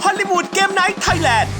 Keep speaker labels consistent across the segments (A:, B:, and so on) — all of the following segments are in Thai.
A: อลลีวูดเกมไนท์ไทยแลนด์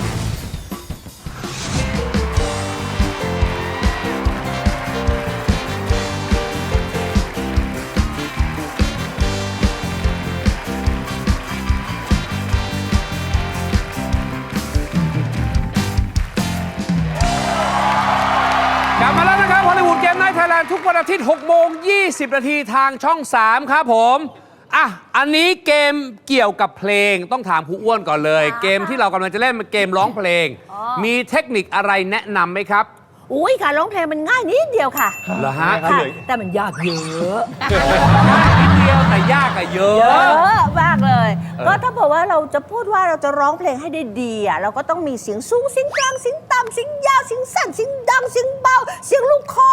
B: กลับมาแล้วนะครับฮอลลีวูดเกมไนท์ไทยแลนด์ทุกวันอาทิตย์6:20 นาทีทางช่อง 3 ครับผมอันนี้เกมเกี่ยวกับเพลงต้องถามครูอ้วนก่อนเลย เกมที่เรากำลังจะเล่นเป็นเกมร้องเพลง มีเทคนิคอะไรแนะนำไหมครับ
C: อุ้ยค่ะร้องเพลงมันง่ายนิดเดียวค่ะ
B: เหรอฮะ
C: ค่ะแต่มันยากเยอะ
B: นิดเดียวแต่ยากอะเยอะ
C: เยอะมากเลย ก็ถ้าบอกว่าเราจะพูดว่าเราจะร้องเพลงให้ได้ดีอ่ะเราก็ต้องมีเสียงสูงเสียงกลางเสียงต่ำเสียงยาวเสียงสั้นเสียงดังเสียงเบาเสียงลูกคอ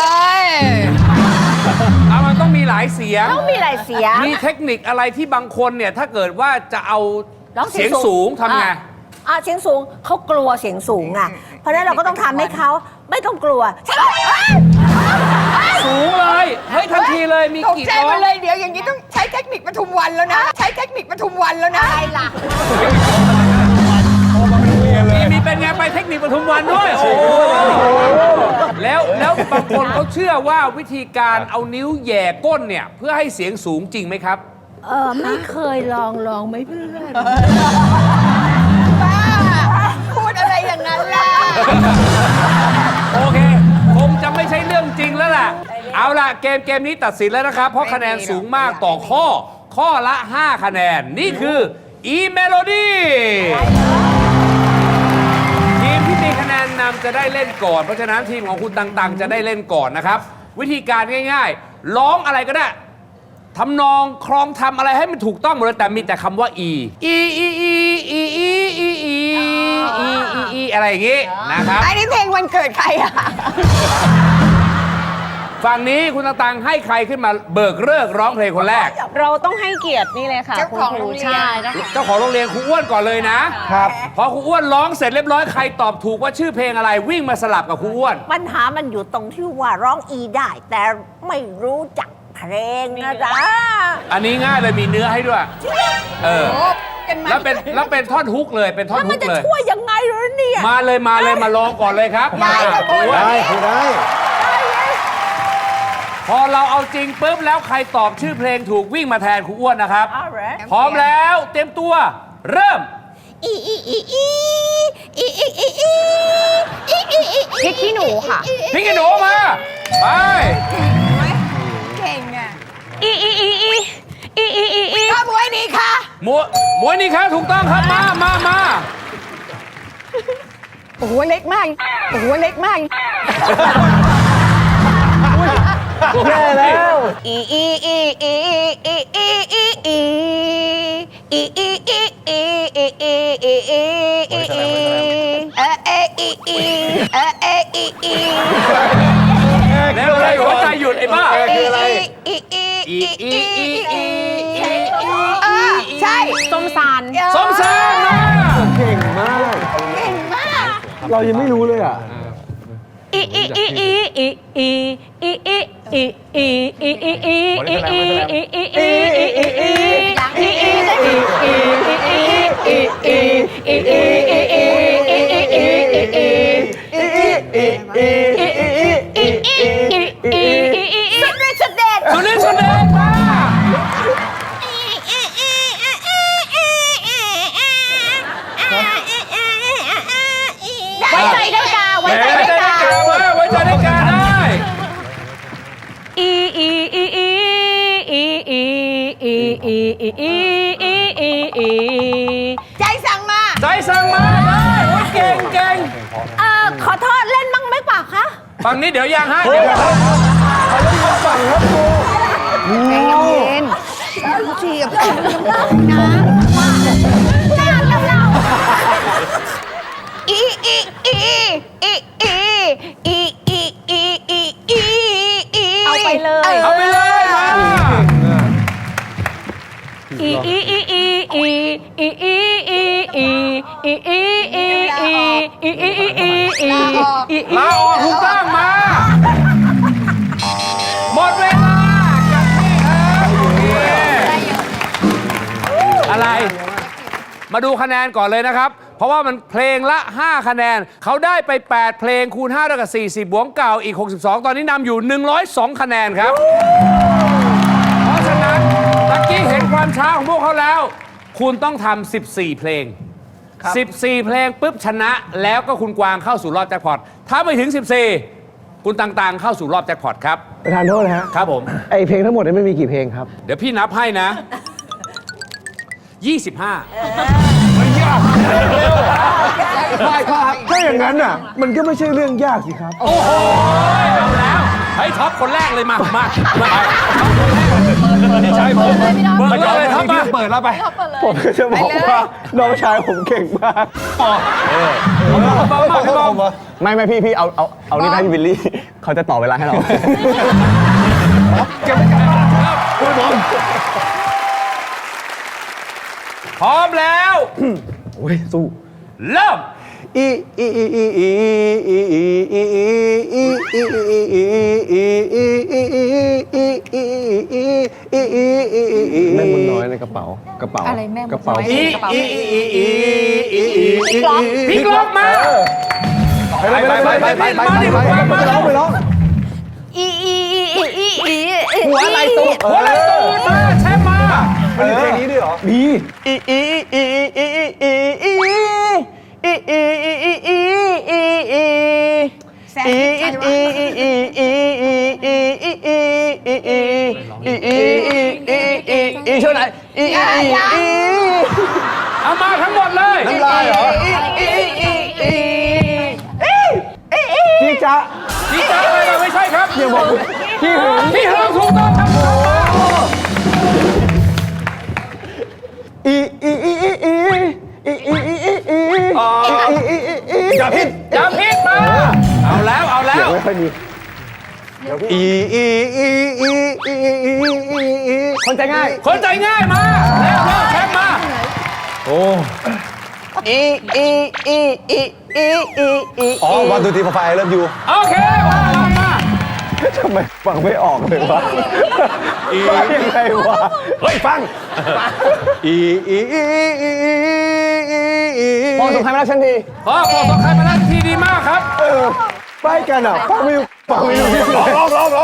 B: มันต้องมีหลายเสียง
C: ต้องมีหลายเสียง
B: มีเทคนิคอะไรที่บางคนเนี่ยถ้าเกิดว่าจะเอา
C: ร้อง
B: เสียงสูงทำไง
C: เสียงสูงเขากลัวเสียงสูงอ่ะเพราะฉะนั้นเราก็ต้องทำให้เขาไม่ต้องกลัว
B: สูงเลยเฮ้ยทันทีเลยมี
D: ตก
B: กี่
D: ใจ
B: ร้อ
D: มาง เลยเดี๋ยวอย่างนี้ต้องใช้เทคนิคปทุมวันแล้วนะ ใช้เทคนิคปทุมวันแล้วนะ
C: อะไรล่ะ
B: มีเป็นไงไปเทคนิคปทุมวันด้วยโอ้แล้วบางคนเขาเชื่อว่าวิธีการเอานิ้วแหย่ก้นเนี่ยเพื่อให้เสียงสูงจริงไหมครับ
C: ไม่เคยลองไหมเพื่อน
D: บ้า พูดอะไรอย่างนั้นล่ะ
B: โอเคคงจะไม่ใช่เรื่องจริงแล้วล่ะเอาล่ะเกมนี้ตัดสินแล้วนะครับ เพราะคะแนนสูงมากต่อข้อละ 5 คะแนนนี่คือ E Melody ทีมที่มีคะแนนนำจะได้เล่นก่อน เพราะฉะนั้นทีมของคุณตังๆจะได้เล่นก่อนนะครับ วิธีการง่ายๆ ร้องอะไรก็ได้ทำนองครองทำอะไรให้มันถูกต้องหมดเลยแต่มีแต่คำว่า Eอะไรอย่างงี้นะครับ
D: อันนี้เพลงวันเกิดใครอ่ะ
B: ฝั่งนี้คุณตังๆให้ใครขึ้นมาเบิกเลิกร้องเพลงคนแรก
E: เราต้องให้เกียรตินี่เลยค่ะ
D: เจ้าของโรงเรียน
E: ใช่เจ้าของ
B: เจ้าของโรงเรียนครูอ้วนก่อนเลยนะครับพอครูอ้วนร้องเสร็จเรียบร้อยใครตอบถูกว่าชื่อเพลงอะไรวิ่งมาสลับกับครูอ้วน
C: ปัญหามันอยู่ตรงที่ว่าร้องอีได้ แต่ไม่รู้จักเพลงนะจ๊ะ
B: อันนี้ง่ายเลยมีเนื้อให้ด้วยแล้วเป็นท่อนฮุกเลยเป็นท่อน
C: แล้ว
B: ฮุ
C: มัน
B: ก
C: จะ
B: เลย
C: ช่วยยังไงเหรอเนี่ย
B: มาเลยมาลองก่อนเลยครับมา
F: ได้คือได้
B: พอเราเอาจริงปุ๊บแล้วใครตอบชื่อเพลงถูกวิ่งมาแทนครูอ้วนนะครับ
C: เอาเหรอ
B: พร้อมแล้วเตรียมตัวเริ่ม
E: พริกขี้หนูค่ะ
B: พี่กระโดดมาไป
D: เก่งอ่ะ
E: อี
D: ข้ามไว้ดีค่ะ
B: มวยนี่ครับถูกต้องครับมา
D: โอ้โหเล็กมาก โอ้โหเล็กมาก
F: แย่แล้ว
B: แล้วอะไรหัวใจหยุดไอ้บ้า
F: คืออะไร
D: ใช่
E: ส้มซาน
B: สมศรีมา
F: เก่งมาก
D: เก่งมาก
F: เรายังไม่รู้เลยอ่ะ
B: สุรินทร์สุดเด็ดมา
E: ไว้ใจได้กาไว้ใจ
B: ไว้
E: ได้
B: ใจได้
E: กา
B: กามาไว้ใจได้กาได้
D: ใจสั่งมา
B: ใจสั่งมาได้โอ้ยเก่ง
C: ขอโทษเล่นบ้างไหมเปล่าคะ
B: ฝั่งนี้เดี๋ยวยังฮะ
D: ใจเย็นเจียบนะ
E: เอาไปเลย
B: เอาไปเลยมา ลาออกถูกต้องมา หมดเวลากลับที่ครับอะไรมาดูคะแนนก่อนเลยนะครับ เพราะว่ามันเพลงละ 5 คะแนน เขาได้ไป 8 เพลงคูณ5เท่ากับ40 บวกเก่าอีก 62 ตอนนี้นำอยู่ 102 คะแนนครับ เพราะฉะนั้นตะกี้เห็นความช้าของพวกเขาแล้ว คุณต้องทำ14 เพลง 14 เพลงปุ๊บชนะแล้วก็คุณกวางเข้าสู่รอบแจ็คพอตถ้าไม่ถึง 14 คุณต่างๆเข้าสู่รอบแจ็คพอตครับ
F: ประธานโทษนะฮะ
B: ครับผม
F: ไอเพลงทั้งหมดเนี่ยไม่มีกี่เพลงครับ
B: เดี๋ยวพี่นับให้นะ 25
F: ถ้าอย่างนั้นน่ะ มันก็ไม่ใช่เรื่องยากสิครับ
B: โอ้โห เอาแล้วเฮ้ยท็อปคนแรกเลยมาพี่ชายผมเปิดเลยท็อปมาเปิดแล้วไป
F: ผมจะบอกว่าน้องชายผมเก่งมาก ไม่พี่เอานี่ให้พี่วิลลี่ เขาจะต่อเวลาให้เรา
B: พร้อมแล้ว
F: โอ้ยสู้
B: เริ่ม
F: แม่บุญน้อยในกระเป๋า
D: อะไรแม่บุญน้อย
F: กระเป๋า
B: พี่กลอกมาไปมาดิคุณกวางมา
F: ไปร้อง
D: หัวอะไรตุ๊ก
B: หัวไหล่ตูนมาแชมป์มา
F: มันมีเพลงนี้ด้วยเหรอมี
D: แซมใครวะ
F: ช่วยหน่อย
B: เอามาทั้งหมดเลย
F: น้ำลายเหรอจีจ๊ะ
B: พี่จ้าอะไรกันไม่ใช่ครับ
F: อย่าบอกพี่หึง
B: พี่เฮิร์ถูกต้องครับ
F: อย่าพิษ
B: อย่าพิษมา เอาแล้ว
F: ไม่ค่อยมีคนใจง่าย
B: คนใจง่ายมาแล้วแชมป์มา
F: อ๋อวันดูทีไฟเริ่มอยู่
B: โอเค มา
F: ทำไมฟังไม่ออกเลยวะยังไงวะ
B: เฮ้ย ฟัง
F: มองสงครามมาแล้วฉันที
B: พอสองใครมาแล้วทีดีมากครับ
F: ไปกันอ่ะฟังไม่รู้ร้องเร็ว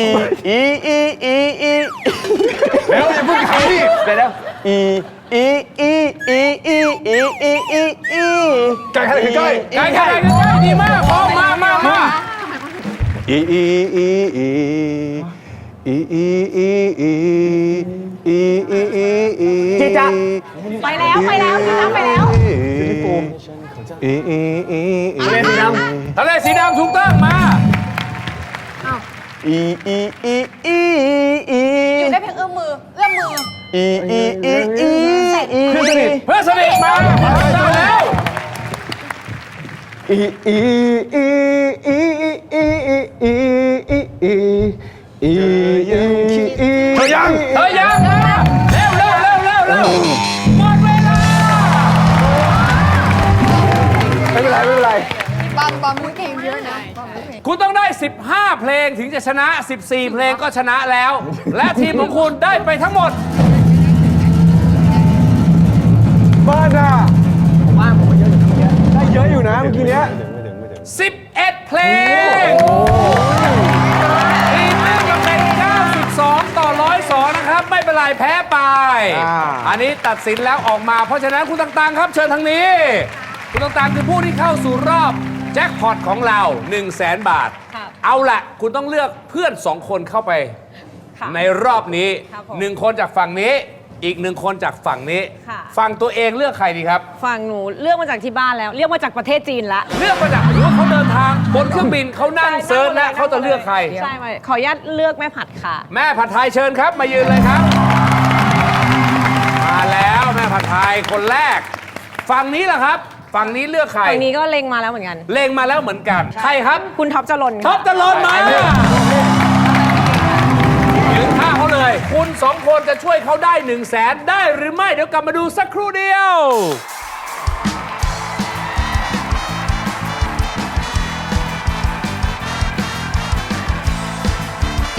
F: อย่าเพิ่งขำดิเดี๋ยวใกล้ใกล้
B: ใกล้ดีมากพอมา
F: จีจ๊ะ
E: ไปแล้วจีน่าไปแล้ว
B: ทะเลสีดำถูกต้องมา
E: อยู่ได้เพียงเอื้อมมือ
B: เพื่อนสนิทมาแล้ว
F: เธอยัง
B: มาเร็วหมดเวลา
F: ไม่เป็นไร
D: บอมมึงเพลงเยอะนะบอมมึงเพลง
B: คุณต้องได้ 15 เพลงถึงจะชนะ 14 เพลงก็ชนะแล้ว และทีมของคุณได้ไปทั้งหมด
F: บ้านอ่ะผมว่าเยอะอยู่นะได้เยอะอยู่นะเมื่อกี้เนี้ย
B: 11 เพลงทีมนึงก็เป็น 92 ต่อ 102 นะครับ ไม่เป็นไรแพ้ไป อันนี้ตัดสินแล้วออกมา เพราะฉะนั้นคุณต่างๆครับเชิญทางนี้ คุณต่างๆคือผู้ที่เข้าสู่รอบแจ็คพอตของเรา 100,000 บาท เอาละคุณต้องเลือกเพื่อน 2 คนเข้าไป ในรอบนี้ 1 คนจากฝั่งนี้ อีก 1 คนจากฝั่งนี้ ฝั่งตัวเองเลือกใครดีครับ
E: ฝั่งหนูเลือกมาจากที่บ้านแล้ว เลือกมาจากประเทศจีนละ
B: เลือกมาจากหรือว่าเขาเดินทางบนเครื่องบินเขานั่งเซิร์ชและเขาจะเลือกใคร
E: ใช่ไหมขออนุญาตเลือกแม่ผัดค่ะ
B: แม่ผัดไทยเชิญครับ มายืนเลยครับ มาแล้วแม่ผัดไทยคนแรก ฝั่งนี้ล่ะครับ ฝั่งนี้เลือกใคร
E: ฝั่งนี้ก็เล็งมาแล้วเหมือนกัน
B: เลงมาแล้วเหมือนกัน ใครครับ
E: คุณท็อปจรน
B: ท็อปตะลนมายืนข้างเขาเลย คุณ 2 คนจะช่วยเขาได้ 100,000 ได้หรือไม่ เดี๋ยวกลับมาดูสักครู่เดียว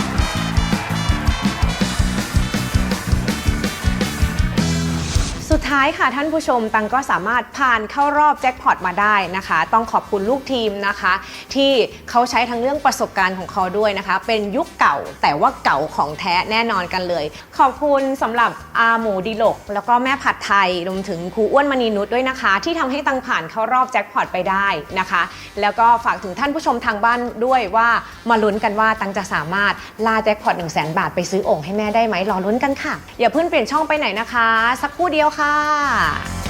E: สุด
G: ท้ายค่ะท่านผู้ชมตังก็สามารถผ่านเข้ารอบแจ็คพอตมาได้นะคะต้องขอบคุณลูกทีมนะคะที่เขาใช้ทั้งเรื่องประสบการณ์ของเขาด้วยนะคะเป็นยุคเก่าแต่ว่าเก่าของแท้แน่นอนกันเลยขอบคุณสำหรับอาหมูดิลกแล้วก็แม่ผัดไทยรวมถึงครูอ้วนมณีนุชด้วยนะคะที่ทำให้ตังผ่านเข้ารอบแจ็คพอตไปได้นะคะแล้วก็ฝากถึงท่านผู้ชมทางบ้านด้วยว่ามาลุ้นกันว่าตังจะสามารถล่าแจ็คพอต 100,000 บาทไปซื้อโอ่งให้แม่ได้ไหมรอลุ้นกันค่ะอย่าเพิ่งเปลี่ยนช่องไปไหนนะคะสักครู่เดียวค่ะ